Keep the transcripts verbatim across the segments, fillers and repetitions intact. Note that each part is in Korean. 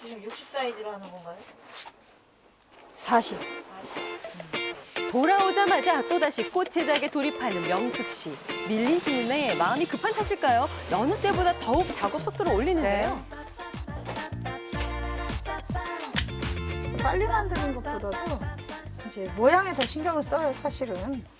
지금 육십 사이즈로 하는 건가요? 사십. 사십. 돌아오자마자 또다시 꽃 제작에 돌입하는 명숙 씨. 밀린 주문에 마음이 급한 탓일까요? 여느 때보다 더욱 작업 속도를 올리는데요. 빨리 만드는 것보다도 이제 모양에 더 신경을 써요, 사실은.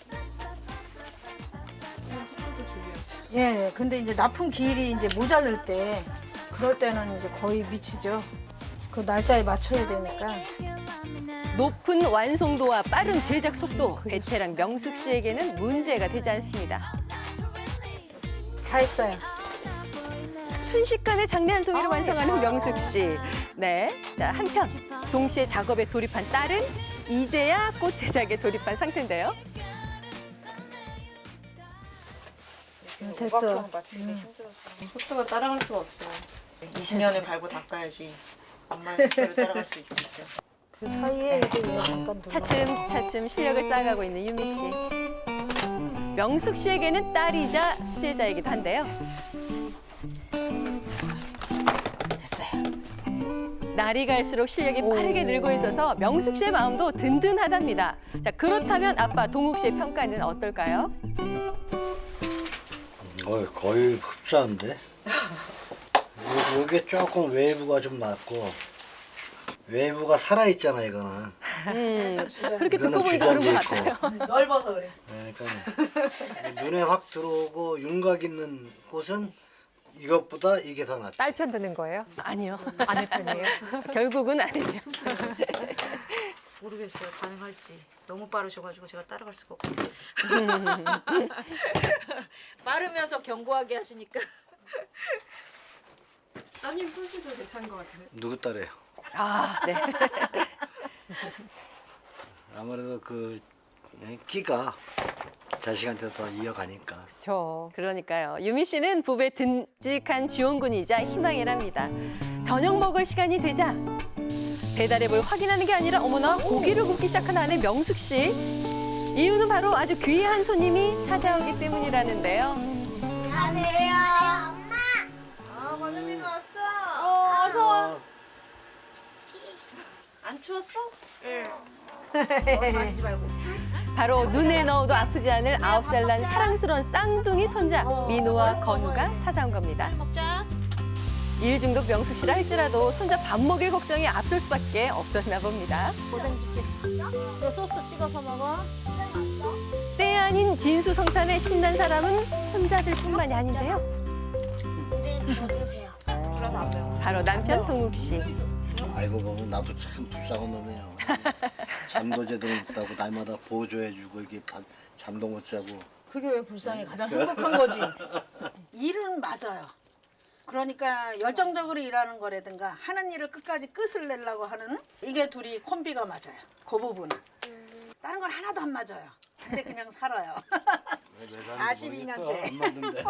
속도도 줄여야지. 예, 예. 근데 이제 납품 기일이 이제 모자랄 때, 그럴 때는 이제 거의 미치죠. 그 날짜에 맞춰야 되니까. 높은 완성도와 빠른 제작 속도, 베테랑 명숙 씨에게는 문제가 되지 않습니다. 다 했어요. 순식간에 장내 한 송이를 완성하는 명숙 씨. 네, 자 한편 동시에 작업에 돌입한 딸은 이제야 꽃 제작에 돌입한 상태인데요. 음, 됐어. 맞추기가 힘들었어. 속도가 따라갈 수가 없어. 이십 년을 밟고 닦아야지 엄마의 속도를 따라갈 수 있겠죠. 그 사이에 이제 얘 잠깐 둘러. 차츰차츰 실력을 쌓아가고 있는 유미 씨. 명숙 씨에게는 딸이자 수제자이기도 한데요. 됐어요. 날이 갈수록 실력이 빠르게 늘고 있어서 명숙 씨의 마음도 든든하답니다. 자, 그렇다면 아빠 동욱 씨의 평가는 어떨까요? 어, 거의 흡사한데. 요- 요게 조금 외부가 좀 낮고 외부가 살아 있잖아 이거는. 음, 그렇게 듣고 이거는 보니까 그런 것 주저앉아 같아요. 있고. 넓어서 그래. 네, 그러니까 눈에 확 들어오고 윤곽 있는 곳은 이것보다 이게 더 낫지. 딸 편 드는 거예요? 아니요. 아내 편이에요? 결국은 아니죠. 모르겠어요. 가능할지. 너무 빠르셔가지고 제가 따라갈 수가 없어요. 빠르면서 견고하게 하시니까. 따님 솜씨도 괜찮은 것 같은데. 누구 딸이에요? 아, 네. 아무래도 그 끼가 자식한테 더 이어가니까. 그렇죠. 그러니까요. 유미 씨는 부부의 든직한 지원군이자 희망이랍니다. 저녁 먹을 시간이 되자 배달앱을 확인하는 게 아니라 어머나 고기를 굽기 시작한 아내 명숙 씨. 이유는 바로 아주 귀한 손님이 찾아오기 때문이라는데요. 아, 권은민이 왔어. 어, 어서 와. 안 추웠어? 바로 눈에 넣어도 아프지 않을 아홉 살 난 사랑스러운 쌍둥이 손자 민우와 건우가 찾아온 겁니다. 먹자. 일 중독 명숙 씨라 할지라도 손자 밥 먹일 걱정이 앞설 수밖에 없었나 봅니다. 너 소스 찍어서 먹어. 때 아닌 진수성찬에 신난 사람은 손자들뿐만이 아닌데요. 줄여서 안 배워. 바로 남편 동욱 씨. 알고 보면 나도 참 불쌍한 놈이에요. 잠도 제대로 못 자고 날마다 보조해주고 이게 밥- 잠도 못 자고. 그게 왜 불쌍해? 가장 행복한 거지. 일은 맞아요. 그러니까 열정적으로 일하는 거라든가 하는 일을 끝까지 끝을 내려고 하는 이게 둘이 콤비가 맞아요. 그 부분은. 다른 건 하나도 안 맞아요. 근데 그냥 살아요. 사십이 년째. 안 맞는데.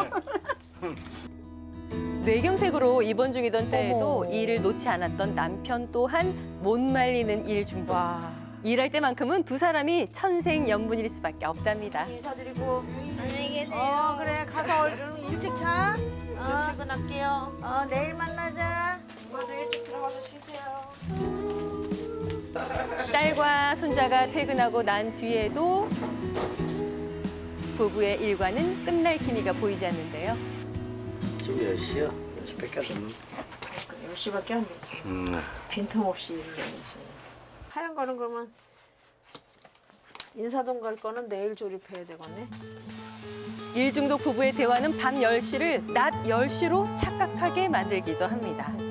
뇌경색으로 입원 중이던 때에도 일을 놓지 않았던 남편 또한 못 말리는 일 중독. 와. 일할 때만큼은 두 사람이 천생연분일 수밖에 없답니다. 인사드리고 어 그래 가서 일찍 자. 어. 퇴근할게요. 어 내일 만나자. 엄마도 일찍 들어가서 쉬세요. 딸과 손자가 퇴근하고 난 뒤에도 부부의 일과는 끝날 기미가 보이지 않는데요. 지금 몇 시야? 몇 시 뺏겼었나? 열 시밖에 안 되지. 음. 빈틈없이 일을 해야지. 하얀 거는 그러면 인사동 갈 거는 내일 조립해야 되겠네. 일 중독 부부의 대화는 밤 열 시를 낮 열 시로 착각하게 만들기도 합니다.